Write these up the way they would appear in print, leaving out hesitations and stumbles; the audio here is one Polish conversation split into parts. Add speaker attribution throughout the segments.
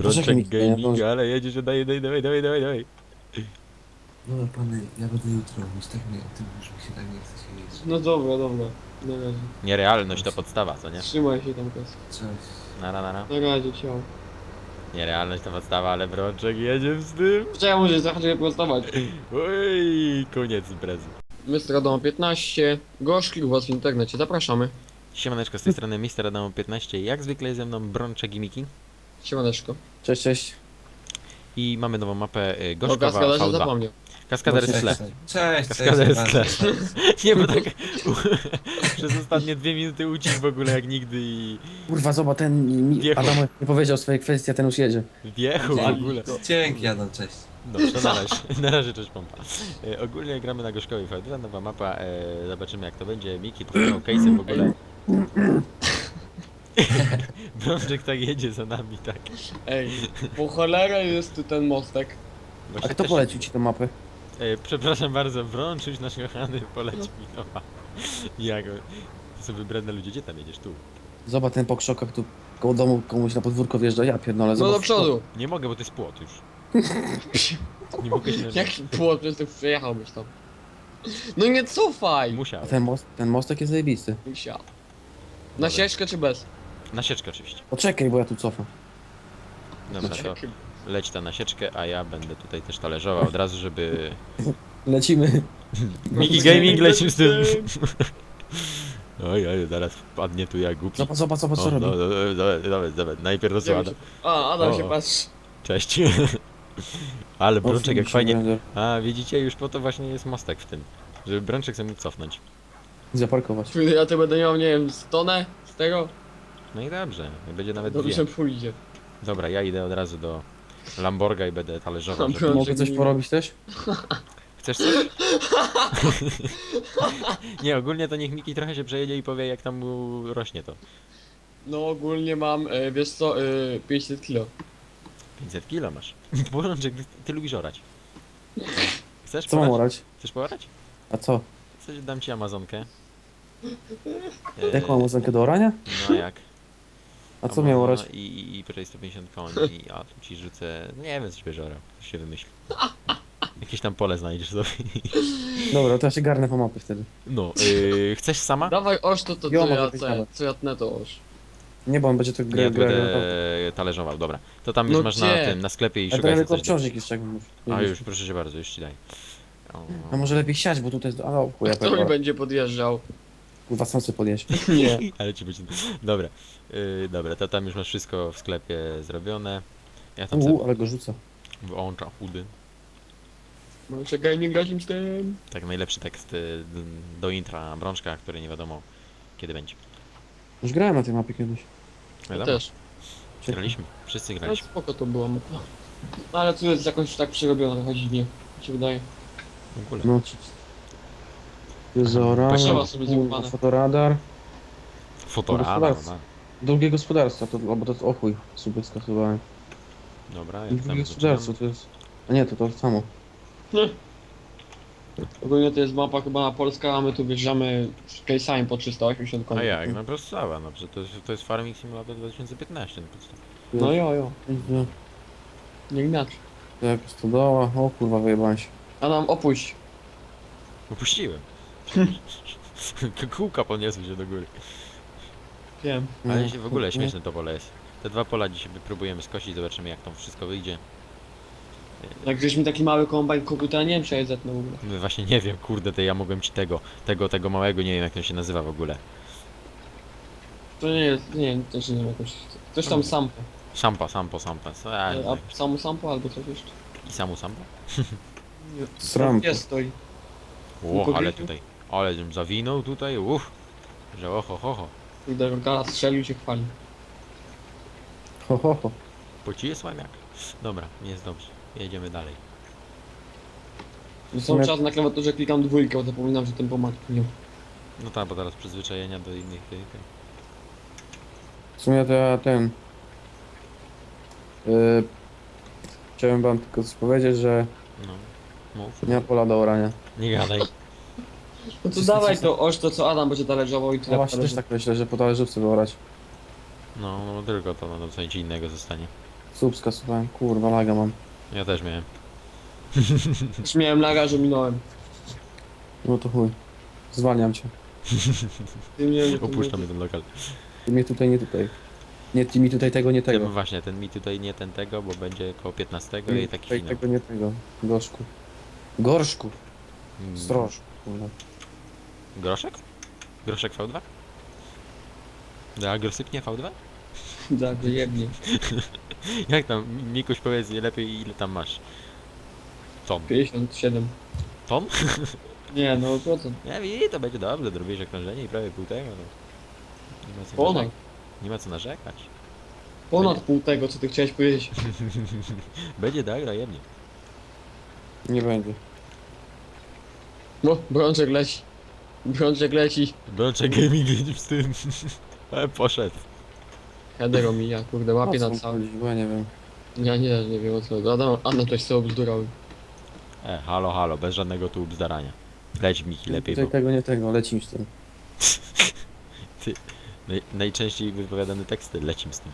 Speaker 1: Brączek
Speaker 2: mi nie
Speaker 1: gaming,
Speaker 2: zdąży.
Speaker 1: ale jedziesz, dawaj.
Speaker 3: Dobra pany, ja będę jutro mówić, tak nie, tym już mi się tak nie chce się jeść.
Speaker 4: No dobra, dobra. Na razie.
Speaker 1: Nierealność to podstawa, co nie?
Speaker 4: Trzymaj się tam, Kas.
Speaker 3: Cześć.
Speaker 1: Nara.
Speaker 4: Na razie, ciao.
Speaker 1: Nierealność to podstawa, ale Brączek jedzie z tym.
Speaker 4: Czemu się zacząć prostować?
Speaker 1: Oj, koniec imprezy.
Speaker 4: Mr. Adam 15. Gorzki u was w internecie, zapraszamy.
Speaker 1: Siemaneczko, z tej strony Mr. Adam 15, jak zwykle jest ze mną Brączek i Miki.
Speaker 4: Siemaneczko.
Speaker 2: Cześć, cześć.
Speaker 1: I mamy nową mapę
Speaker 4: O
Speaker 1: Gorzkowa
Speaker 4: kaskaderze
Speaker 1: V2.
Speaker 4: zapomniał.
Speaker 1: Kaskader jest w tle.
Speaker 3: Cześć,
Speaker 1: Kaskader jest w tle.
Speaker 3: cześć.
Speaker 1: Nie, bo tak przez ostatnie 2 minuty ucichł w ogóle jak nigdy i
Speaker 2: Kurwa, zobacz, ten
Speaker 1: Wjechał.
Speaker 2: Adam nie powiedział swojej kwestii, a ten już jedzie.
Speaker 1: wjechał w ogóle.
Speaker 3: Dzięki Adam, cześć.
Speaker 1: Dobrze, to na razie, na razie cześć pompa. Ogólnie gramy na Gorzkowej V2, nowa mapa, zobaczymy jak to będzie. Miki pokazał case'em w ogóle. Brączek tak jedzie za nami, tak.
Speaker 4: Ej, po cholerę jest tu ten mostek.
Speaker 2: A
Speaker 1: Właśnie
Speaker 2: kto
Speaker 1: też-
Speaker 2: polecił ci tę mapę?
Speaker 1: Przepraszam bardzo, Brączuś nasz kochany poleci mi nowa. Jak? To są wybredne ludzie, gdzie tam jedziesz? Tu.
Speaker 2: Zobacz, ten po krzokach tu koło domu komuś na podwórko wjeżdża, ja pierdolę,
Speaker 4: No
Speaker 2: zobacz.
Speaker 4: do przodu.
Speaker 1: Nie mogę, bo to jest płot już. Nie mogę się
Speaker 4: Jaki płot, przez to przejechałbyś tam. No nie cofaj!
Speaker 1: Musiał.
Speaker 2: A ten mostek jest zajebisty.
Speaker 4: Musiał. Na ścieżkę czy bez?
Speaker 1: Na sieczkę oczywiście.
Speaker 2: Poczekaj, bo ja tu cofam.
Speaker 1: Dobra, to leć ta na sieczkę, a ja będę tutaj też talerzował od razu, żeby...
Speaker 2: Lecimy.
Speaker 1: Miki Gaming leci z tym. Oj, zaraz wpadnie tu jak głupi.
Speaker 2: Zobacz, co
Speaker 1: O,
Speaker 2: robi.
Speaker 1: dobra. Najpierw rozłada.
Speaker 4: A, Adam
Speaker 1: O.
Speaker 4: się patrzy.
Speaker 1: Cześć. Ale Brączek jak
Speaker 2: Się
Speaker 1: fajnie...
Speaker 2: będzie
Speaker 1: A, widzicie, już po to właśnie jest mostek w tym. Żeby Brączek sobie mógł cofnąć.
Speaker 2: Zaparkować.
Speaker 4: Ja to będę miał, nie wiem, stonę z tego?
Speaker 1: No i dobrze, będzie nawet
Speaker 4: Dobrze
Speaker 1: dwie.
Speaker 4: pójdzie.
Speaker 1: Dobra, ja idę od razu do Lamborga i będę talerzował.
Speaker 4: Dobra.
Speaker 1: Żeby...
Speaker 2: Mogę coś porobić też?
Speaker 1: Chcesz coś? Nie, ogólnie to niech Miki trochę się przejedzie i powie jak tam mu rośnie to.
Speaker 4: No ogólnie mam, wiesz co, 500 kilo.
Speaker 1: 500 kilo masz. Brączek, ty lubisz orać. Chcesz
Speaker 2: Co mam
Speaker 1: porać?
Speaker 2: orać?
Speaker 1: Chcesz porać?
Speaker 2: A co?
Speaker 1: Coś dam ci Amazonkę.
Speaker 2: Jaką mam oznkę do orania?
Speaker 1: No jak?
Speaker 2: A co miał orać?
Speaker 1: I prawie 150 koni, a tu ci rzucę... Nie wiem, coś będziesz orał. Coś się wymyśli. Jakieś tam pole znajdziesz sobie.
Speaker 2: Dobra, to ja się garnę po mapy wtedy.
Speaker 1: No, chcesz sama?
Speaker 4: Dawaj oż to
Speaker 2: Jo,
Speaker 4: co
Speaker 2: mogę
Speaker 4: ja,
Speaker 2: być
Speaker 4: co, ja,
Speaker 2: nawet.
Speaker 4: co ja tnę to oż.
Speaker 2: Nie, bo on będzie to
Speaker 1: Ja
Speaker 2: grał.
Speaker 1: będę talerzował, dobra. To tam już
Speaker 4: No
Speaker 1: masz
Speaker 4: gdzie?
Speaker 1: na tym, na sklepie i
Speaker 2: Ale to
Speaker 1: szukaj
Speaker 2: ja
Speaker 1: sobie
Speaker 2: tylko
Speaker 1: coś.
Speaker 2: obciążnik jeszcze jak mówisz.
Speaker 1: A już, proszę cię bardzo, już ci daj. O,
Speaker 2: A może lepiej siać, bo tutaj jest... A, chuja,
Speaker 4: Kto mi będzie podjeżdżał?
Speaker 2: Kurwa, sam sobie podjeść.
Speaker 4: Nie.
Speaker 1: Ale ci będzie... Dobra, dobra, to tam już masz wszystko w sklepie zrobione. Ja tam sobie
Speaker 2: Ale go rzuca.
Speaker 1: włączam chudy.
Speaker 4: No czekaj, nie grać im z tym.
Speaker 1: Tak, najlepszy tekst do intra Brączka, który nie wiadomo kiedy będzie.
Speaker 2: Już grałem na tej mapie kiedyś.
Speaker 4: Ja
Speaker 1: Wiadomo,
Speaker 4: też.
Speaker 1: graliśmy, wszyscy
Speaker 4: No
Speaker 1: graliśmy.
Speaker 4: spoko to było. No ale tu jest jakoś tak przerobione, chodzi dziwnie. Mi się wydaje.
Speaker 1: W ogóle.
Speaker 2: No. Jest zaorane,
Speaker 4: Trzeba sobie zjebane.
Speaker 2: fotoradar.
Speaker 1: Fotorama,
Speaker 2: gospodarstwo. Drugie gospodarstwo, to, albo to jest o chuj, sobie skasowałem.
Speaker 1: dobra, jak
Speaker 2: Drugie
Speaker 1: tam
Speaker 2: gospodarstwo to jest... A nie, to samo.
Speaker 4: Ogólnie to jest mapa chyba na Polskę, a my tu wjeżdżamy z case'ami po 380 koni.
Speaker 1: A jak? No prostawa, no przecież to jest Farming Simulator 2015. No, prosto.
Speaker 4: No jo. Nie inaczej.
Speaker 2: Jak stodoła, o kurwa wyjebałem się.
Speaker 4: Adam, opuść.
Speaker 1: Opuściłem. Kółka podniosły się do góry.
Speaker 4: Wiem.
Speaker 1: Ale się w ogóle śmieszne to pole jest. Te dwa pola dzisiaj próbujemy skosić, zobaczymy jak tam wszystko wyjdzie.
Speaker 4: Jak gdzieś mi taki mały kombajn kupił, to ja nie wiem czy ja je zetnę w ogóle.
Speaker 1: No właśnie nie wiem, kurde, to ja mogłem ci tego małego, nie wiem jak to się nazywa w ogóle.
Speaker 4: To nie jest, nie wiem, też nie wiem jakoś. Coś tam sampo.
Speaker 1: Sampa, co ja nie wiem.
Speaker 4: A samu sampo albo coś jeszcze.
Speaker 1: I samu sampa?
Speaker 2: Srampo.
Speaker 4: Jest stoi.
Speaker 1: O, ale
Speaker 4: Powiedział?
Speaker 1: tutaj, ale żem zawinął tutaj, że oho.
Speaker 4: Kurde, Rogala strzelił się chwali.
Speaker 2: Ho, ho, ho.
Speaker 1: Po ci jest łamiak. Dobra, jest dobrze, jedziemy dalej.
Speaker 4: Cały
Speaker 2: sumie-
Speaker 4: czas na klawiaturze klikam dwójkę, bo zapominam, że tempomat nie.
Speaker 1: No tak, bo teraz przyzwyczajenia do innych tych.
Speaker 2: W sumie to ja ten... Chciałem wam tylko coś powiedzieć, że
Speaker 1: No, mów.
Speaker 2: nie ma pola do orania.
Speaker 1: Nie gadaj.
Speaker 4: No to dawaj to oż to co Adam będzie talerzował i
Speaker 2: Ja
Speaker 4: tyle.
Speaker 2: właśnie też tak myślę, że po talerzówce wyorać.
Speaker 1: No tylko to, no co nic innego zostanie.
Speaker 2: Subska słuchałem, kurwa laga mam.
Speaker 1: Ja też miałem.
Speaker 4: Już miałem laga, że minąłem.
Speaker 2: No to chuj. Zwalniam cię.
Speaker 4: Ty mnie, ty
Speaker 1: Opuszczamy ten lokal.
Speaker 2: Ty mnie tutaj, nie tutaj. Nie, ty mi tutaj tego, nie
Speaker 1: Tym
Speaker 2: tego.
Speaker 1: właśnie, ten mi tutaj nie ten tego, bo będzie koło 15 i taki
Speaker 2: Tutaj
Speaker 1: finał.
Speaker 2: tego, nie tego. Gorzku. Gorszku.
Speaker 1: Mm,
Speaker 2: Zdrożku, kurwa.
Speaker 1: Groszek? Groszek V2? A grosypnie V2?
Speaker 4: Tak, wyjebnie.
Speaker 1: Jak tam, Mikuś, powiedz lepiej, ile tam masz? Ton.
Speaker 4: 57.
Speaker 1: Ton?
Speaker 4: Nie, no procent.
Speaker 1: Nie, i to będzie dobrze, zrobisz okrążenie i prawie pół tego, no. Nie ma co
Speaker 4: Ponad.
Speaker 1: narzekać. Nie ma co narzekać.
Speaker 4: Ponad pół tego, co ty chciałeś powiedzieć.
Speaker 1: Będzie dobra, jemnie.
Speaker 2: Nie będzie.
Speaker 4: No, Brączek leci. Brączek leci.
Speaker 1: Brączek Gaming jedzie z tym. Ale poszedł.
Speaker 4: Header omija, kurde, łapie
Speaker 2: O co
Speaker 4: na cały.
Speaker 2: chodzi? Bo ja nie wiem.
Speaker 4: Ja nie wiem o co. Adam coś sobie obzdurał.
Speaker 1: Halo, halo, bez żadnego tu bzdarania. Leć Miki lepiej,
Speaker 2: Tutaj
Speaker 1: bo
Speaker 2: tego, nie tego, lecim z tym.
Speaker 1: najczęściej wypowiadane teksty lecim z tym.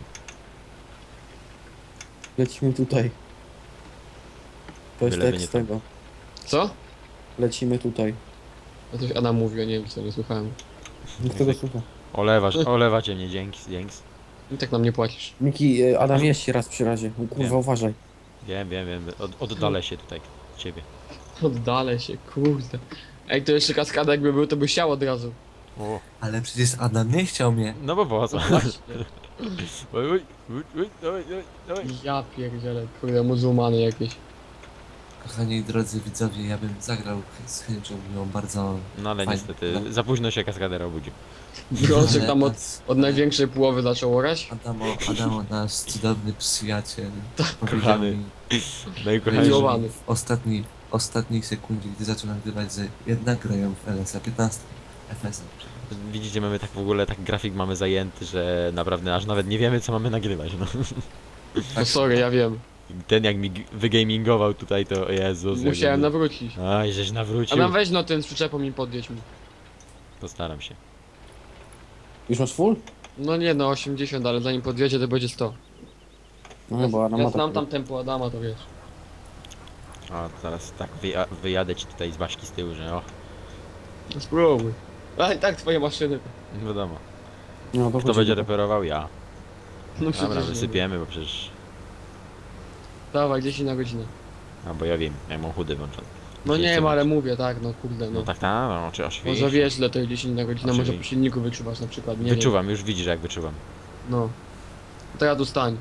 Speaker 2: Lecimy tutaj. To jest
Speaker 1: Byleby nie
Speaker 2: tekst
Speaker 1: to.
Speaker 2: tego.
Speaker 4: Co?
Speaker 2: Lecimy tutaj.
Speaker 4: A coś Adam mówił, ja nie wiem co, nie słuchałem.
Speaker 2: Nikt tego słucha.
Speaker 1: Olewacie mnie, dzięki.
Speaker 4: I tak nam nie płacisz.
Speaker 2: Miki, Adam jeźdź się raz przy razie. Kurwa,
Speaker 1: Wiem.
Speaker 2: uważaj.
Speaker 1: Wiem. Oddalę się tutaj od ciebie.
Speaker 4: Oddalę się, kurde. Ej, to jeszcze kaskada jakby był, to by siał od razu.
Speaker 1: O.
Speaker 3: Ale przecież Adam nie chciał mnie.
Speaker 1: No bo po co?
Speaker 4: Właśnie.
Speaker 1: Oj, dawaj.
Speaker 4: Ja pierdzielę, kurde, muzułmany jakieś.
Speaker 3: Kochani drodzy widzowie, ja bym zagrał z chęcią miłą bardzo.
Speaker 1: No ale
Speaker 3: Fajnie.
Speaker 1: niestety, za późno się kaskadera obudził.
Speaker 4: Brączek
Speaker 3: Ale
Speaker 4: tam
Speaker 3: nas-
Speaker 4: od największej połowy zaczął orać.
Speaker 3: Adamo, nasz cudowny przyjaciel, powiedział
Speaker 1: kochany.
Speaker 3: mi
Speaker 1: Najkochani.
Speaker 4: Miłowany.
Speaker 3: w ostatniej sekundzie, gdy zaczął nagrywać, że jednak grają w LS-a 15. FS-a.
Speaker 1: Widzicie, mamy tak w ogóle, tak grafik mamy zajęty, że naprawdę aż nawet nie wiemy co mamy nagrywać, no.
Speaker 4: No sorry, ja wiem.
Speaker 1: Ten jak mi wygamingował tutaj, to Jezus.
Speaker 4: Musiałem nawrócić.
Speaker 1: Aj, żeś
Speaker 4: A
Speaker 1: nawrócił.
Speaker 4: nam weź no ten z przyczepą mi podjedź mi.
Speaker 1: Postaram się.
Speaker 2: Już masz full?
Speaker 4: No nie no, 80, ale zanim podjedzie to będzie 100.
Speaker 2: No bo Adam
Speaker 4: Ja
Speaker 2: ma
Speaker 4: znam
Speaker 2: tak.
Speaker 4: tam tempo Adama, to wiesz.
Speaker 1: O, zaraz tak wyjadę ci tutaj z Baśki z tyłu, że o,
Speaker 4: No spróbuj. A i tak twoje maszyny.
Speaker 1: wiadomo.
Speaker 2: No to
Speaker 1: Kto
Speaker 2: chodzi
Speaker 1: będzie
Speaker 2: do-
Speaker 1: reperował? Ja.
Speaker 4: No
Speaker 1: Dobra,
Speaker 4: przecież.
Speaker 1: wysypiemy, bo przecież...
Speaker 4: Dawaj, 10 na godzinę.
Speaker 1: A, bo ja wiem, ja mam chudy włączony.
Speaker 4: No
Speaker 1: Gdzie
Speaker 4: nie
Speaker 1: chcę
Speaker 4: wiem, ale
Speaker 1: być?
Speaker 4: mówię, tak, no kurde, no.
Speaker 1: No tak, no, czy oczywiście.
Speaker 4: Może wiesz, ile to jest 10 na godzinę, może po
Speaker 1: Oczywiście.
Speaker 4: silniku wyczuwasz na przykład, nie
Speaker 1: Wyczuwam, już widzisz jak wyczuwam.
Speaker 4: wiem. No. Teraz tu stań.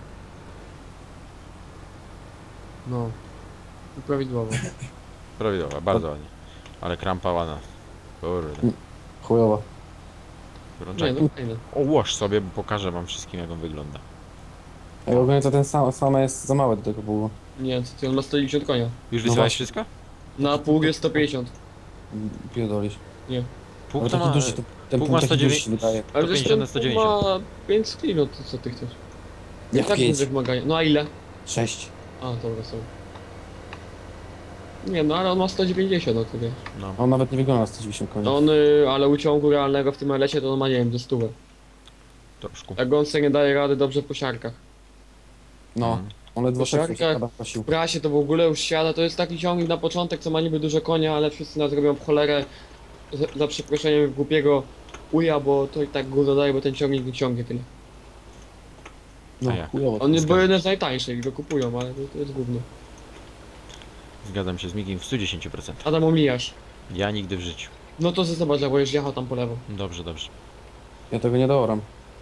Speaker 4: No. I prawidłowo.
Speaker 1: Prawidłowo, bardzo ładnie. Ale krampa ładna. Kurde.
Speaker 2: Chujowa.
Speaker 4: Nie,
Speaker 1: Brączek.
Speaker 4: no fajne.
Speaker 1: Ołóż sobie, bo pokażę wam wszystkim jak on wygląda.
Speaker 2: Ej, ogólnie to ten same jest za małe do tego było.
Speaker 4: Nie, co ty, on ma 190 konia.
Speaker 1: Już
Speaker 2: No
Speaker 1: wysyłałeś
Speaker 2: właśnie.
Speaker 1: wszystko?
Speaker 4: Na pług jest 150.
Speaker 2: Pierdolisz.
Speaker 1: Pół
Speaker 2: Ale
Speaker 1: to
Speaker 2: taki
Speaker 1: ma...
Speaker 2: duży, ten
Speaker 1: Pług
Speaker 2: punkt
Speaker 1: ma
Speaker 2: taki
Speaker 1: 109.
Speaker 2: duży się wydaje.
Speaker 4: Ale
Speaker 1: 150
Speaker 4: zresztą
Speaker 1: na 190.
Speaker 4: ma 5 kilo, to co ty chcesz? I
Speaker 2: Jak
Speaker 4: tak
Speaker 2: 5?
Speaker 4: duże wymagania. No a ile?
Speaker 2: 6.
Speaker 4: A, dobra, są. Nie, no ale on ma 190, no to wiesz.
Speaker 1: No.
Speaker 2: On nawet nie wygląda na 190 koni.
Speaker 4: On, ale uciągu realnego w tym LS-ie to on ma, nie wiem, do 100.
Speaker 1: Troszkę.
Speaker 4: Jak on sobie nie daje rady dobrze po siarkach.
Speaker 2: No,
Speaker 1: Mhm.
Speaker 2: on ledwo
Speaker 4: Po
Speaker 2: szedł, się
Speaker 4: siarkach-
Speaker 2: chyba prosił.
Speaker 4: W prasie to w ogóle już siada, to jest taki ciągnik na początek, co ma niby dużo konia, ale wszyscy nas robią w cholerę za przeproszeniem głupiego uja, bo to i tak gówno daje, bo ten ciągnik nie ciągnie tyle.
Speaker 2: No,
Speaker 1: A jak?
Speaker 2: chujowo.
Speaker 4: On jest
Speaker 1: Zgadzam
Speaker 4: bo jeden z najtańszych i go kupują, ale to jest gówno.
Speaker 1: Zgadzam się z Mikiem w 110%.
Speaker 4: Adam, omijasz.
Speaker 1: Ja nigdy w życiu.
Speaker 4: No to zobacz, bo już jechał tam po lewo.
Speaker 1: Dobrze.
Speaker 2: Ja tego nie doram.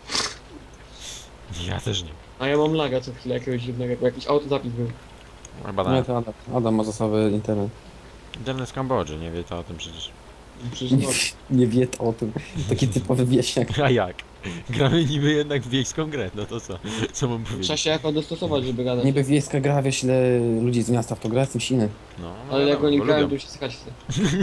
Speaker 1: Ja też nie.
Speaker 4: A ja mam laga co chwilę jakiegoś dziwnego, bo jakiś autozapis był.
Speaker 1: Chyba
Speaker 2: Nie,
Speaker 1: tak.
Speaker 2: to Adam ma zasoby internet.
Speaker 1: Internet z Kambodży, nie wie to o tym przecież.
Speaker 4: Przecież no,
Speaker 2: Nie wie to o tym. Taki typowy wieśniak.
Speaker 1: A jak? Gramy niby jednak w wiejską grę, no to co? Co mam
Speaker 4: trzeba
Speaker 1: powiedzieć?
Speaker 4: się jakoś dostosować, żeby gadać.
Speaker 2: Niby wiejska gra, wiesz ile ludzi z miasta w to gra, jestem silny.
Speaker 1: No,
Speaker 4: Ale jak
Speaker 1: wiadomo,
Speaker 4: oni
Speaker 1: bo
Speaker 4: grają,
Speaker 1: lubią.
Speaker 4: to się skać chce.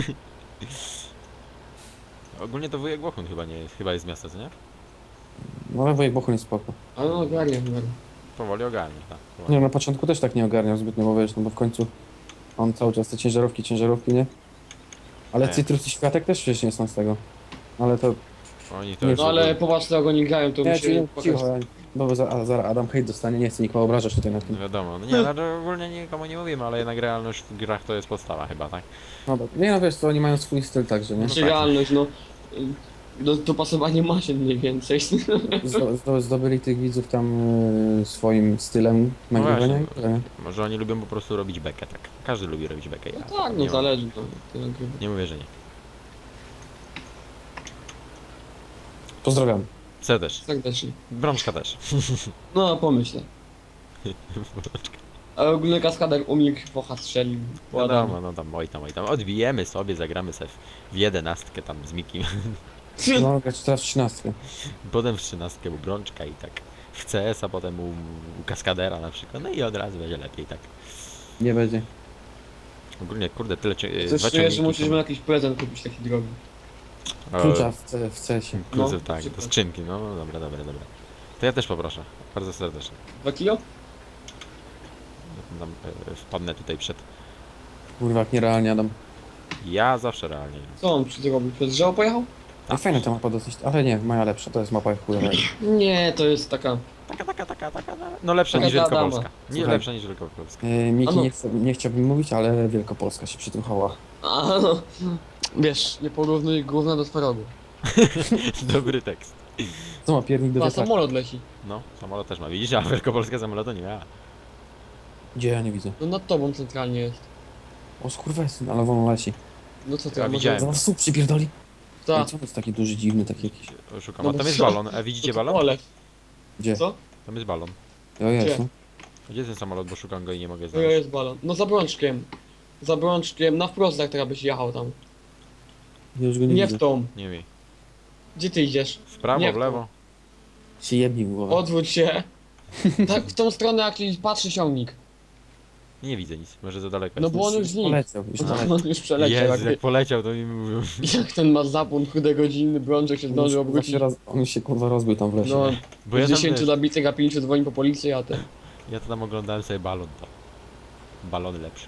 Speaker 1: Ogólnie to wujek Bochun chyba jest z miasta, co nie?
Speaker 2: No ale wujek Bochun jest spoko.
Speaker 4: Ale no ogarniam.
Speaker 1: Powoli ogarnia, tak.
Speaker 2: Nie, na początku też tak nie ogarniał zbytnio, bo wiesz, no bo w końcu on cały czas te ciężarówki, nie? Ale
Speaker 1: Nie.
Speaker 2: Cytrus i Światek też przecież nie są z tego. Ale to
Speaker 1: Oni to
Speaker 2: Nie,
Speaker 1: już...
Speaker 4: No ale popatrz co jak oni grają, to
Speaker 2: Nie,
Speaker 4: musi
Speaker 2: cicho, bo zaraz Adam hejt dostanie, nie chcę nikogo obrażać tutaj na tym.
Speaker 1: No wiadomo, no nie, no, to ogólnie nikomu nie mówimy, ale jednak realność w grach to jest podstawa chyba, tak?
Speaker 2: No dobra. Nie no wiesz co, oni mają swój styl także, nie?
Speaker 4: Znaczy realność, no. Dopasowanie maszyn mniej więcej.
Speaker 2: Zdobyli tych widzów tam swoim stylem
Speaker 1: No
Speaker 2: nagrywania.
Speaker 1: właśnie.
Speaker 2: i tyle, nie?
Speaker 1: Może oni lubią po prostu robić bekę, tak? Każdy lubi robić bekę. Ja
Speaker 4: No tak,
Speaker 1: nie
Speaker 4: no
Speaker 1: mam-
Speaker 4: zależy to. nagrywa.
Speaker 1: Nie mówię, że nie.
Speaker 2: Pozdrawiam.
Speaker 1: Serdecznie.
Speaker 4: Serdecznie.
Speaker 1: Brączka też.
Speaker 4: No pomyślę. A ogólny kaskader umilkł, focha strzelił.
Speaker 1: Wiadomo, no tam, oj tam. Odbijemy sobie, zagramy sobie w 11 tam z Mikim.
Speaker 2: No grać teraz w 13.
Speaker 1: Potem w 13 u Brączka i tak w CS, a potem u Kaskadera na przykład. No i od razu będzie lepiej, tak.
Speaker 2: Nie będzie.
Speaker 1: Ogólnie, kurde, tyle
Speaker 4: Coś
Speaker 1: dwa
Speaker 4: czuję, że
Speaker 1: ciągniki
Speaker 4: musisz
Speaker 1: są.
Speaker 4: mu jakiś prezent kupić taki drogi.
Speaker 2: Klucza w CS-ie.
Speaker 1: Klucze,
Speaker 4: No,
Speaker 1: tak, do
Speaker 4: super.
Speaker 1: skrzynki, no dobra. To ja też poproszę, bardzo serdecznie.
Speaker 4: 2 kilo?
Speaker 1: Tam, wpadnę tutaj przed...
Speaker 2: Kurwa, jak nierealnie Adam.
Speaker 1: Ja zawsze realnie.
Speaker 4: Co on zrobił? Przez drzewo pojechał?
Speaker 2: A fajna ta mapa dosyć, ale nie, moja lepsza, to jest mapa chujowa.
Speaker 4: Nie, to jest taka...
Speaker 1: Taka, no lepsza
Speaker 4: Taka
Speaker 1: niż
Speaker 4: Adama.
Speaker 1: Wielkopolska. Nie
Speaker 2: Słuchaj.
Speaker 1: lepsza niż Wielkopolska.
Speaker 2: Miki,
Speaker 4: A no.
Speaker 2: nie chciałbym mówić, ale Wielkopolska się przy tym chowała.
Speaker 4: A no... Wiesz, nie porównuj gówna do twarogu.
Speaker 1: Dobry tekst.
Speaker 2: Co ma piernik do
Speaker 4: A
Speaker 2: wiatraka?
Speaker 4: samolot leci.
Speaker 1: No, samolot też ma, widzisz, a Wielkopolska samolotu nie miała.
Speaker 2: Gdzie ja nie widzę?
Speaker 4: No nad tobą centralnie jest.
Speaker 2: O skurwesyn, ale wolno leci.
Speaker 4: No co ty,
Speaker 1: Ja
Speaker 4: a może...
Speaker 1: widziałem.
Speaker 2: Zaraz słup przypierdoli.
Speaker 4: Ta.
Speaker 2: Ej, co to jest taki duży, dziwny, taki jakiś...
Speaker 1: Szukam,
Speaker 4: No
Speaker 1: a
Speaker 4: bo
Speaker 1: tam jest
Speaker 4: co?
Speaker 1: balon, a widzicie balon?
Speaker 4: Ole.
Speaker 2: Gdzie?
Speaker 4: Co?
Speaker 1: Tam jest balon.
Speaker 2: O jest,
Speaker 4: Gdzie?
Speaker 2: no.
Speaker 1: Gdzie jest ten samolot, bo szukam go i nie mogę
Speaker 4: To
Speaker 1: znaleźć.
Speaker 4: jest balon. No za Brączkiem. Za Brączkiem, na wprost jak teraz byś jechał tam.
Speaker 2: Ja już go nie,
Speaker 4: Nie
Speaker 2: widzę.
Speaker 4: w tą.
Speaker 1: Nie wiem.
Speaker 4: Gdzie ty idziesz?
Speaker 1: W prawo,
Speaker 4: Nie
Speaker 1: w
Speaker 4: w
Speaker 1: lewo?
Speaker 2: Się jebni w głowę.
Speaker 4: Odwróć się. Tak, w tą stronę jak patrzy ciągnik.
Speaker 1: Nie widzę nic, może za daleko
Speaker 4: No
Speaker 1: jest.
Speaker 4: bo on już znikł.
Speaker 2: Poleciał, już poleciał.
Speaker 4: On już przeleciał.
Speaker 1: Jezu, jak poleciał, to mi mówił.
Speaker 4: Jak ten ma zapłon chude godziny, Brączek się zdążył obrócić.
Speaker 2: On już się kurwa rozbił tam w lesie.
Speaker 4: No,
Speaker 1: Bo ja
Speaker 4: z
Speaker 1: tam,
Speaker 4: 10
Speaker 1: wiesz,
Speaker 4: zabitych, a 5 dzwoni po policję, a ten...
Speaker 1: ja to tam oglądałem sobie balon, to. Balony lepsze.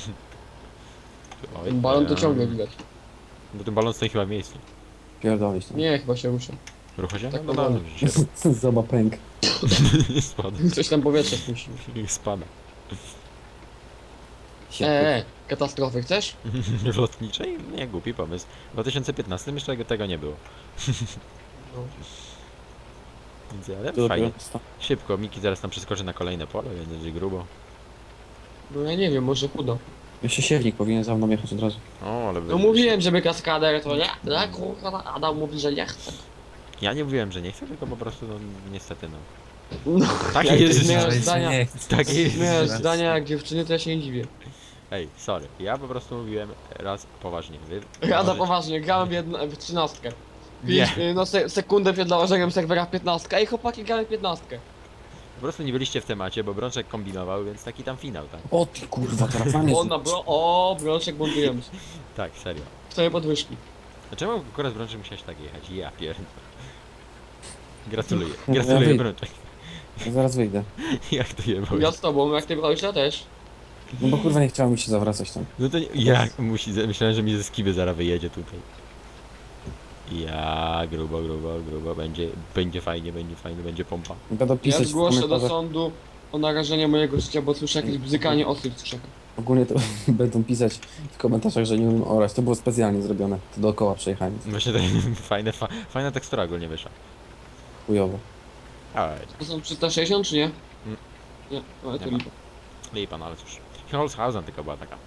Speaker 1: Oj,
Speaker 4: Ten balon to
Speaker 1: ja-
Speaker 4: ciągle widać.
Speaker 1: Bo ten balon stoi chyba w miejscu.
Speaker 2: Pierdolić tam.
Speaker 4: Nie, chyba się rusza.
Speaker 1: Rucha się?
Speaker 4: Tak
Speaker 1: No
Speaker 4: powoli.
Speaker 1: dobrze, się
Speaker 2: Zoba pęk.
Speaker 1: spada.
Speaker 4: Coś tam powietrze spuścił.
Speaker 1: Spada.
Speaker 4: Katastrofy chcesz?
Speaker 1: Lotniczej? Nie, głupi pomysł. W 2015 jeszcze tego nie było.
Speaker 4: No.
Speaker 1: Więc ale
Speaker 2: To
Speaker 1: fajnie.
Speaker 2: dopiero-
Speaker 1: Szybko, Miki zaraz tam przeskoczy na kolejne pole, więc będzie grubo.
Speaker 4: No ja nie wiem, może chudo.
Speaker 2: Jeszcze siewnik powinien za mną jechać od razu.
Speaker 1: O, ale
Speaker 4: No mówiłem, żeby kaskader to nie. Tak, kurwa, Adam mówi, że nie chce.
Speaker 1: Ja nie mówiłem, że nie chcę, tylko po prostu, no niestety, no.
Speaker 4: No,
Speaker 1: Tak
Speaker 4: jak
Speaker 1: jest.
Speaker 4: zmieniasz
Speaker 3: Ale
Speaker 4: zdania,
Speaker 3: nie chcę.
Speaker 1: Tak jest.
Speaker 4: zmieniasz zdania jak dziewczyny, to ja się nie dziwię.
Speaker 1: Ej, sorry, ja po prostu mówiłem raz poważnie. Wy
Speaker 4: Rada
Speaker 1: możecie-
Speaker 4: poważnie, grałem w 13.
Speaker 1: Nie.
Speaker 4: No sekundę przed założeniem serwera w 15. Ej chłopaki, grałem w 15.
Speaker 1: Po prostu nie byliście w temacie, bo Brączek kombinował, więc taki tam finał, tak?
Speaker 2: O ty kurwa, teraz na mnie
Speaker 4: O, o, Brączek buntujemy się.
Speaker 1: Tak, serio.
Speaker 4: Chcemy podwyżki.
Speaker 1: Dlaczego akurat Brączek musiałeś tak jechać? Ja pierdolę. Gratuluję.
Speaker 2: Ja
Speaker 1: Gratuluję,
Speaker 2: wyjdę.
Speaker 1: Brączek.
Speaker 2: Zaraz wyjdę.
Speaker 1: Jak to jebał?
Speaker 4: Ja z tobą, jak ty brałeś, ja też.
Speaker 2: No bo kurwa nie chciało mi się zawracać tam.
Speaker 1: No to nie, jak musi, myślałem, że mi ze skiby zaraz wyjedzie tutaj. Ja, grubo, będzie fajnie, będzie pompa.
Speaker 2: Będą
Speaker 4: Ja
Speaker 2: pisać w
Speaker 4: zgłoszę do
Speaker 2: komentarzach.
Speaker 4: sądu o narażenie mojego życia, bo słyszę jakieś bzykanie osób z krzaka.
Speaker 2: Ogólnie to będą pisać w komentarzach, że nie umiem orać. To było specjalnie zrobione. To dookoła przejechałem.
Speaker 1: Myślę, że fajna tekstura ogólnie wyszła.
Speaker 2: Chujowo.
Speaker 1: Ale
Speaker 4: To są 360 czy nie?
Speaker 1: Mm.
Speaker 4: Nie, ale to
Speaker 1: Nie ma.
Speaker 4: lipa.
Speaker 1: lipa, no ale cóż. Holzhausen tylko była taka.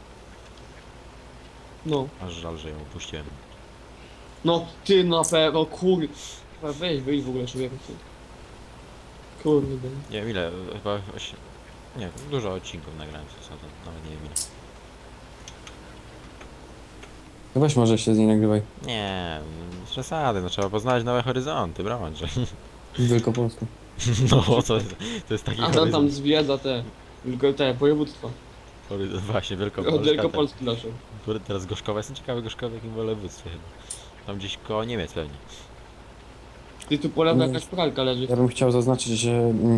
Speaker 4: No.
Speaker 1: Aż żal, że ją opuściłem.
Speaker 4: No, ty na pewno, kurde. Weź, wyjdź w ogóle człowieku. Kurde.
Speaker 1: Nie wiem ile, chyba 8... Nie, dużo odcinków nagrałem z Holzhausen, nawet nie wiem ile.
Speaker 2: No weź może się z niej nagrywaj.
Speaker 1: Nie, z przesady, no trzeba poznać nowe horyzonty, Brączek.
Speaker 2: W Wielkopolsku.
Speaker 1: No, to jest taki
Speaker 4: A tam
Speaker 1: horyzont.
Speaker 4: zwiedza te województwa.
Speaker 1: Właśnie,
Speaker 4: Od
Speaker 1: Wielkopolska.
Speaker 4: Wielkopolski naszą.
Speaker 1: Teraz Gorzkowa, jestem ciekawy Gorzkowa w jakim województwie chyba. Tam gdzieś koło Niemiec pewnie.
Speaker 4: Ty tu po lewej jakaś pralka leży.
Speaker 2: Ja bym chciał zaznaczyć, że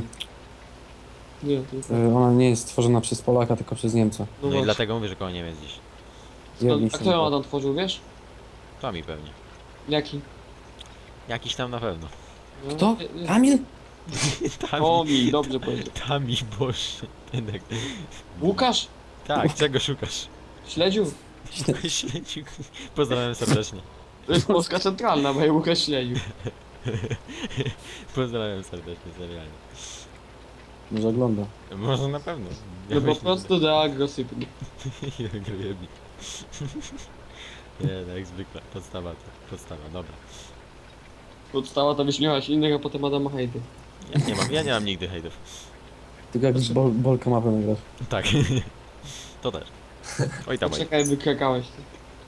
Speaker 4: Nie, to jest...
Speaker 2: ona nie jest stworzona przez Polaka, tylko przez Niemca.
Speaker 1: No i
Speaker 4: właśnie.
Speaker 1: dlatego mówię, że koło Niemiec gdzieś.
Speaker 2: Jedni
Speaker 4: A
Speaker 2: są
Speaker 4: kto ją tam tworzył, wiesz?
Speaker 1: To mi pewnie.
Speaker 4: Jaki?
Speaker 1: Jakiś tam na pewno.
Speaker 4: No,
Speaker 2: Kto? Kamil?
Speaker 4: O mi, dobrze powiedział.
Speaker 1: Tami, Boże. Jednak.
Speaker 4: Łukasz?
Speaker 1: Tak, czego szukasz?
Speaker 4: Śledziu?
Speaker 1: Śledziu. Pozdrawiam serdecznie.
Speaker 4: To jest Polska Centralna, bo ja Łukasz śledził.
Speaker 1: Pozdrawiam serdecznie, serialnie.
Speaker 2: Może ogląda.
Speaker 1: Może na pewno.
Speaker 4: No po prostu de agrosypny.
Speaker 1: Grujebnik. Nie, no jak zwykle. Podstawa to. Podstawa, dobra.
Speaker 4: Podstała to wyśmiewać innych, a potem Adama hejty.
Speaker 1: Ja nie mam nigdy hejtów.
Speaker 2: Tylko jak z Bolka mapę nagrasz.
Speaker 1: Tak. To też. Oj tam, oj.
Speaker 4: Czekaj, wykrakałeś ty.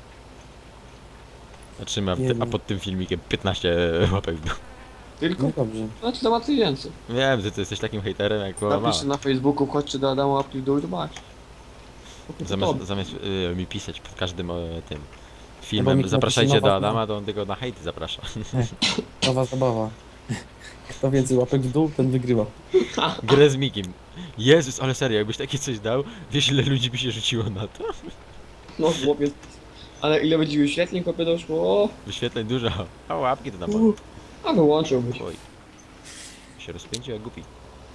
Speaker 1: Zatrzyma,
Speaker 2: Nie
Speaker 1: a
Speaker 2: wiem.
Speaker 1: pod tym filmikiem 15 łapek w dół.
Speaker 4: Tylko?
Speaker 2: No dobrze.
Speaker 4: Znaczy załatwię więcej.
Speaker 1: Wiem, że ty jesteś takim hejterem jak była mała.
Speaker 4: Napisz na Facebooku, chodźcie do Adama łapki w dół i zobacz.
Speaker 1: Zamiast mi pisać pod każdym tym
Speaker 2: Albo
Speaker 1: filmem,
Speaker 2: mi
Speaker 1: zapraszajcie
Speaker 2: napisze
Speaker 1: do
Speaker 2: nowa-
Speaker 1: Adama, to on tylko na hejty zaprasza.
Speaker 2: Nowa zabawa. Kto więcej łapek w dół, ten wygrywa.
Speaker 1: Grę z Mikim. Jezus, ale serio, jakbyś takie coś dał, wiesz ile ludzi by się rzuciło na to?
Speaker 4: No chłopiec. Ale ile będzie wyświetleń, chłopie doszło? O,
Speaker 1: Wyświetleń dużo. A łapki to na pewno.
Speaker 4: a wyłączyłbyś.
Speaker 1: Oj. Się rozpędził jak głupi.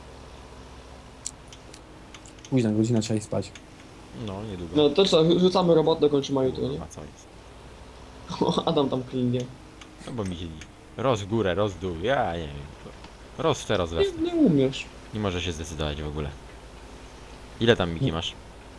Speaker 2: Późna godzina, trzeba iść spać.
Speaker 1: No, niedługo.
Speaker 4: No to co, rzucamy robotę, kończymy jutro, nie?
Speaker 1: A co jest?
Speaker 4: Adam tam klinie.
Speaker 1: No bo mi się roz w górę, roz w dół, ja nie wiem. Roz w te, roz we w te.
Speaker 4: Nie umiesz.
Speaker 1: Nie może się zdecydować w ogóle. Ile tam Miki masz?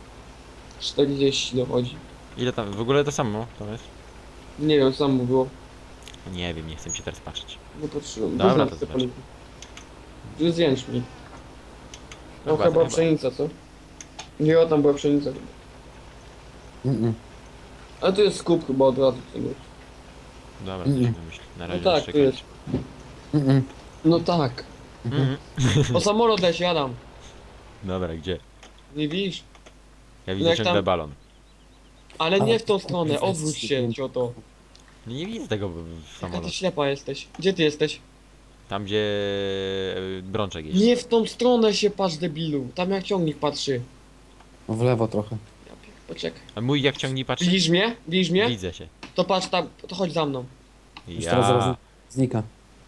Speaker 4: 40 dochodzi.
Speaker 1: Ile tam, w ogóle to samo to jest?
Speaker 4: Nie wiem, co tam mówiło.
Speaker 1: Nie wiem, nie chcę mi się teraz patrzeć.
Speaker 4: No patrzyłem.
Speaker 1: Dobra,
Speaker 4: Poznam
Speaker 1: to
Speaker 4: te
Speaker 1: zobacz.
Speaker 4: poliki. To jest jęczmień. No
Speaker 1: Chyba-
Speaker 4: chyba
Speaker 1: chyba.
Speaker 4: pszenica, co? Nie, o tam była pszenica.
Speaker 2: Mm-mm.
Speaker 4: Ale tu jest skup chyba od razu tego.
Speaker 1: Dobra, coś wymyśl. Na
Speaker 4: No
Speaker 1: razie
Speaker 4: tak,
Speaker 1: jeszcze
Speaker 4: tu jest.
Speaker 2: Mm-mm.
Speaker 4: No tak.
Speaker 1: Mhm.
Speaker 4: O samolot leci, Adam.
Speaker 1: Dobra, gdzie?
Speaker 4: Nie widzisz?
Speaker 1: Ja widzę
Speaker 4: jak
Speaker 1: ciągle
Speaker 4: tam-
Speaker 1: balon.
Speaker 4: Ale nie w tą stronę,
Speaker 2: jest
Speaker 4: odwróć się, cioto.
Speaker 1: Nie widzę tego
Speaker 4: Jaka ty
Speaker 1: samolotu.
Speaker 4: ślepa jesteś. Gdzie ty jesteś?
Speaker 1: Tam gdzie Brączek jest.
Speaker 4: Nie w tą stronę się patrz, debilu. Tam jak ciągnik patrzy.
Speaker 2: No w lewo trochę.
Speaker 4: Poczekaj.
Speaker 1: A mój jak ciągnie patrzy?
Speaker 4: Widzisz mnie? Widzisz mnie?
Speaker 1: Widzę się.
Speaker 4: To patrz tam, to chodź za mną.
Speaker 2: Już teraz
Speaker 1: Ja.
Speaker 2: zaraz znika.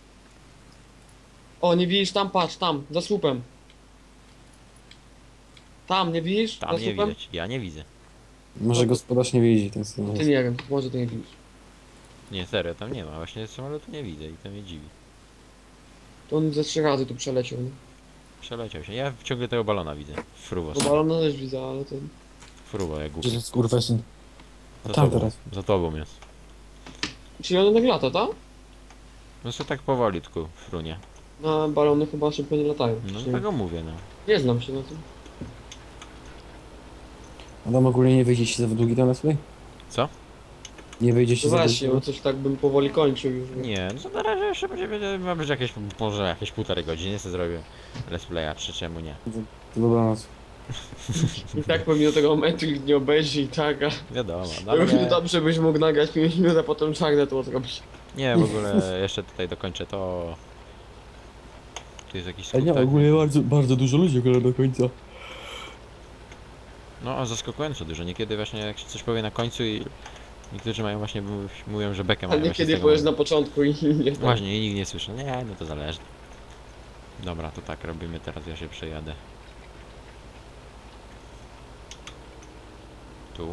Speaker 4: O, nie widzisz tam? Patrz, tam, za słupem. Tam, nie widzisz?
Speaker 1: Tam
Speaker 4: za
Speaker 1: nie
Speaker 4: słupem?
Speaker 1: widać. Ja nie widzę.
Speaker 2: Może gospodarz nie widzi ten samochód.
Speaker 4: Ty nie wiem, może ty nie widzisz.
Speaker 1: Nie, serio, tam nie ma. Właśnie samolotu nie widzę i to mnie dziwi.
Speaker 4: To on ze 3 razy tu przeleciał, nie?
Speaker 1: Przeleciał się. Ja ciągle tego balona widzę. Fruwo.
Speaker 4: No balona też widzę, ale to...
Speaker 1: Fruwo, jak głupi.
Speaker 2: Gdzie jest kurwesyn?
Speaker 1: Za
Speaker 2: tam
Speaker 1: tobą.
Speaker 2: teraz.
Speaker 1: Za tobą jest.
Speaker 4: Czyli one tak lata, tak?
Speaker 1: No co tak powoli tylko frunie.
Speaker 4: Na balony chyba szybko nie latają.
Speaker 1: No
Speaker 4: Przynajmniej
Speaker 1: tego mówię, no.
Speaker 4: nie znam się na tym.
Speaker 2: Adam ogólnie nie wyjdzie się za długi ten let's play?
Speaker 1: Co?
Speaker 2: Nie wyjdzie się
Speaker 4: No
Speaker 2: za
Speaker 4: właśnie, bo
Speaker 2: długi?
Speaker 4: coś tak bym powoli kończył już. bo-
Speaker 1: Nie, no to na razie jeszcze będzie, ma być jakieś, może jakieś 1,5 godziny sobie zrobię let's playa, czy czemu nie.
Speaker 2: To dobranoc.
Speaker 4: I tak pewnie do tego momentu nikt nie obejrzy i tak, a
Speaker 1: Wiadomo, no
Speaker 4: równie
Speaker 1: ale
Speaker 4: dobrze byś mógł nagrać 5 minut, a potem czarne to zrobić.
Speaker 1: nie, w ogóle jeszcze tutaj dokończę to. Tu jest jakiś
Speaker 2: Ale nie,
Speaker 1: skutek.
Speaker 2: ogólnie bardzo dużo ludzi ogląda do końca.
Speaker 1: No, a zaskakująco dużo. Niekiedy właśnie jak się coś powie na końcu i niektórzy mają właśnie, mówią, że bekę
Speaker 4: A
Speaker 1: mają właśnie z
Speaker 4: niekiedy
Speaker 1: tego
Speaker 4: powiesz na
Speaker 1: momentu.
Speaker 4: początku i nie tak.
Speaker 1: Właśnie, i nikt nie słyszy. Nie, no to zależy. Dobra, to tak robimy teraz, ja się przejadę. Tu.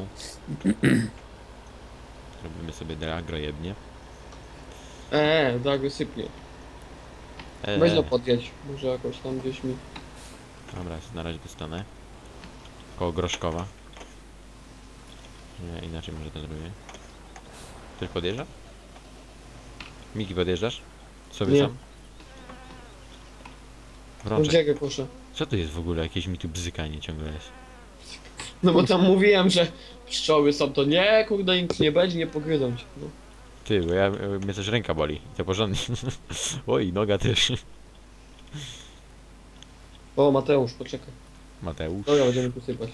Speaker 1: Robimy sobie delagro jebnie.
Speaker 4: Tak sypnie. Weź no podjedź, może jakoś tam gdzieś mi.
Speaker 1: Dobra, na razie dostanę. Koło Groszkowa. Nie, inaczej może to zrobię. Ktoś podjeżdża? Miki, podjeżdżasz? Sobie
Speaker 4: Nie.
Speaker 1: sam? Brączek,
Speaker 4: Gdzie go koszę?
Speaker 1: co to jest w ogóle? Jakieś mi tu bzykanie ciągle jest.
Speaker 4: No bo tam mówiłem, że pszczoły są to nie, kurde, nic nie będzie, nie pogryzą cię. No.
Speaker 1: Ty, bo mnie też ręka boli. I to porządnie. Oj, noga też.
Speaker 4: O, Mateusz, poczekaj.
Speaker 1: Mateusz.
Speaker 4: Dobra, będziemy tu sypać.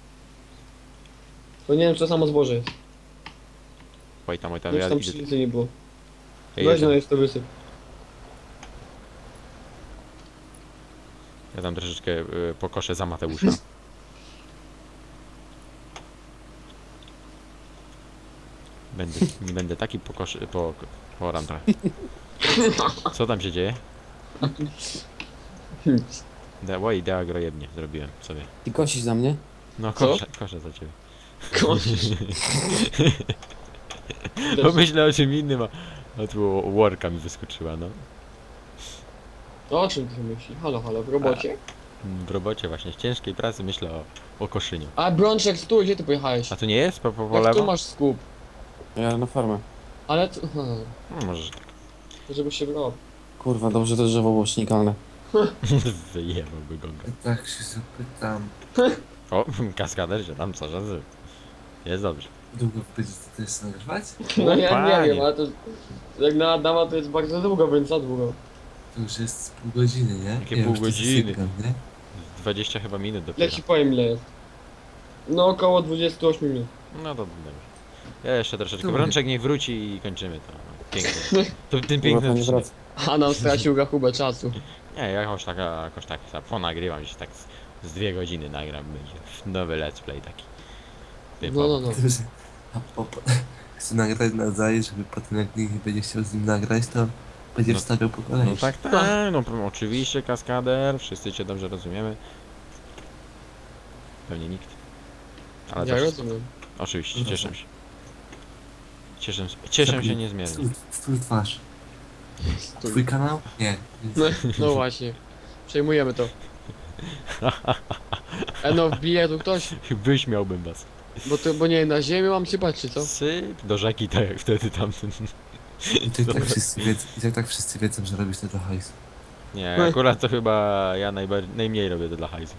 Speaker 4: To nie wiem, czy to samo zboże jest.
Speaker 1: Oj tam,
Speaker 4: Nic
Speaker 1: ja
Speaker 4: tam
Speaker 1: idę.
Speaker 4: pszenicy nie było.
Speaker 1: Ja
Speaker 4: Weź no,
Speaker 1: idę.
Speaker 4: jest to wysyp.
Speaker 1: Ja tam troszeczkę pokoszę za Mateusza. Będę taki pokoszy... poram trochę. Co tam się dzieje? Oj, idea grojebnie zrobiłem sobie.
Speaker 2: Ty kosisz za mnie?
Speaker 1: No
Speaker 4: Co?
Speaker 1: koszę za ciebie.
Speaker 4: Kosisz.
Speaker 1: Bo myślę o czym innym, a tu worka mi wyskoczyła, no.
Speaker 4: To o czym ty myślisz? Halo, halo, w robocie?
Speaker 1: W robocie właśnie, w ciężkiej pracy myślę o koszyniu.
Speaker 4: A Brączek, stój, gdzie ty pojechałeś?
Speaker 1: A tu nie jest? Po
Speaker 4: Jak tu
Speaker 1: lewo?
Speaker 4: masz skup?
Speaker 2: Ja na farmę.
Speaker 4: Ale tu...
Speaker 1: No, może, że tak.
Speaker 4: Żeby się brał.
Speaker 2: Kurwa, dobrze to drzewo było śnikalne.
Speaker 1: Wyjebałby go.
Speaker 3: Tak się zapytam.
Speaker 1: O, kaskader się tam co razy. Jest dobrze.
Speaker 3: Długo będzie to też nagrywać?
Speaker 4: No ja
Speaker 1: panie.
Speaker 4: nie wiem, ale to... Jak na Adama to jest bardzo długo, więc za długo.
Speaker 3: To już jest pół godziny, nie?
Speaker 1: Jakie
Speaker 3: Ja
Speaker 1: pół
Speaker 3: już tu
Speaker 1: godziny?
Speaker 3: zasypiam, nie?
Speaker 1: 20 chyba minut
Speaker 4: Ja
Speaker 1: dopiero.
Speaker 4: ci powiem ile jest. No około 28 minut.
Speaker 1: No to dobrze. Ja jeszcze troszeczkę.
Speaker 3: Dobra.
Speaker 1: Brączek niech wróci i kończymy to. No, pięknie. To tym
Speaker 2: Kurwa,
Speaker 1: pięknym
Speaker 2: to nie
Speaker 1: odcinek.
Speaker 2: wraca.
Speaker 4: A nam stracił rachubę czasu.
Speaker 1: Nie, jakoś tak ponagrywam się tak z 2 godziny nagram będzie. Nowy let's play taki.
Speaker 4: No.
Speaker 3: Chcę nagrać na zaję, żeby potem jak nikt nie będzie chciał z nim nagrać, to będzie
Speaker 1: No-
Speaker 3: wstawiał po kolei.
Speaker 1: No tak, no oczywiście kaskader, wszyscy cię dobrze rozumiemy. Pewnie nikt. Ale
Speaker 4: Ja
Speaker 1: też,
Speaker 4: rozumiem.
Speaker 1: oczywiście,
Speaker 3: No
Speaker 1: cieszę
Speaker 3: dobrze.
Speaker 1: się. Cieszę się niezmiernie.
Speaker 3: Stój twarz.
Speaker 4: Stój.
Speaker 3: Twój kanał? Nie.
Speaker 4: No, no właśnie. Przejmujemy to. No wbije tu ktoś,
Speaker 1: Wyśmiałbym was.
Speaker 4: bo nie, na ziemię mam sypać czy co?
Speaker 1: Syp do rzeki, tak jak wtedy tamten.
Speaker 3: I to i tak wszyscy wiedzą, że robisz to dla hajsu.
Speaker 1: Nie, akurat to chyba ja najmniej robię to dla hajsu.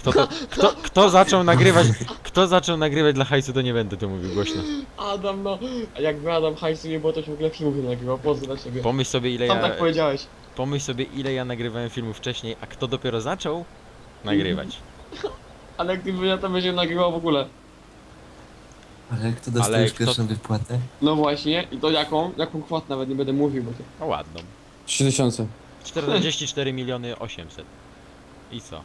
Speaker 1: Kto zaczął nagrywać dla hajsu, to nie będę to mówił głośno.
Speaker 4: Adam, no. A jakby Adam hajsu nie było, to się w ogóle filmów nie nagrywał. Pozdro dla ciebie.
Speaker 1: Pomyśl sobie
Speaker 4: Sam tak powiedziałeś.
Speaker 1: ile ja nagrywałem filmów wcześniej, a kto dopiero zaczął nagrywać.
Speaker 4: Ale gdyby ja to będzie nagrywał w ogóle.
Speaker 3: Ale kto dostał już pierwszą wypłatę?
Speaker 4: No właśnie, i to jaką? Jaką kwotę nawet nie będę mówił, bo to...
Speaker 1: No ładną.
Speaker 2: 3000.
Speaker 1: 44 miliony 800. I co?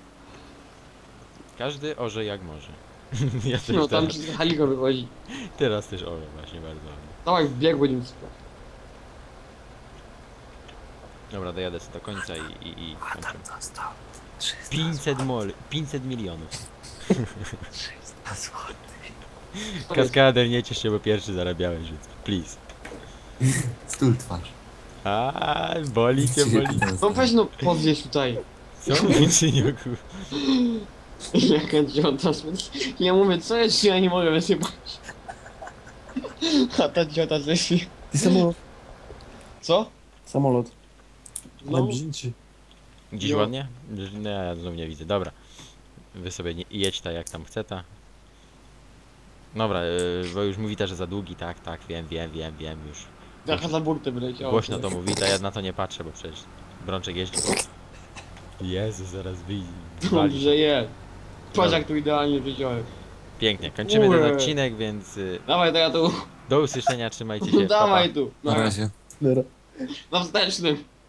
Speaker 1: Każdy orze jak może. Ja też
Speaker 4: No tam
Speaker 1: teraz,
Speaker 4: ci Haliko wychodzi.
Speaker 1: teraz też orę właśnie bardzo ładnie.
Speaker 4: Dawaj w bieg będziemy sypać.
Speaker 1: Dobra, dojadę sobie do końca i kończymy.
Speaker 3: Adam dostał 300
Speaker 1: 500 milionów.
Speaker 3: 300 złotych.
Speaker 1: Kaskader, nie ciesz się, bo pierwszy zarabiałeś, więc please.
Speaker 3: Stój twarz.
Speaker 1: A, boli cię, boli.
Speaker 4: No weź no, podwieź tutaj.
Speaker 1: Co uczyniuku?
Speaker 4: Jaka ciota, ja mówię, co jest, ja nie mogę wysypać. A ta ciota ześli.
Speaker 2: Ty samolot.
Speaker 4: Co?
Speaker 2: Samolot. Ale
Speaker 4: No,
Speaker 2: brzydzi.
Speaker 1: Dziś
Speaker 4: Jo.
Speaker 1: ładnie? No ja znów nie widzę, dobra. Wy sobie jedź ta jak tam chce ta. Dobra, bo już mówi ta, że za długi, tak, wiem już.
Speaker 4: jaka za burtę wyleciała.
Speaker 1: Głośno to mówi, ta ja na to nie patrzę, bo przecież Brączek jeździ. Jezu, zaraz wyjdzie.
Speaker 4: Dobrze jest. Patrz
Speaker 1: Dobra.
Speaker 4: jak tu idealnie wiedziałem.
Speaker 1: Pięknie, kończymy ten
Speaker 4: Ue.
Speaker 1: odcinek, więc
Speaker 4: Dawaj, to ja tu.
Speaker 1: do usłyszenia, trzymajcie się. Pa, pa.
Speaker 4: Dawaj tu.
Speaker 3: Na razie.
Speaker 2: Dobra.
Speaker 4: Na wstecznym.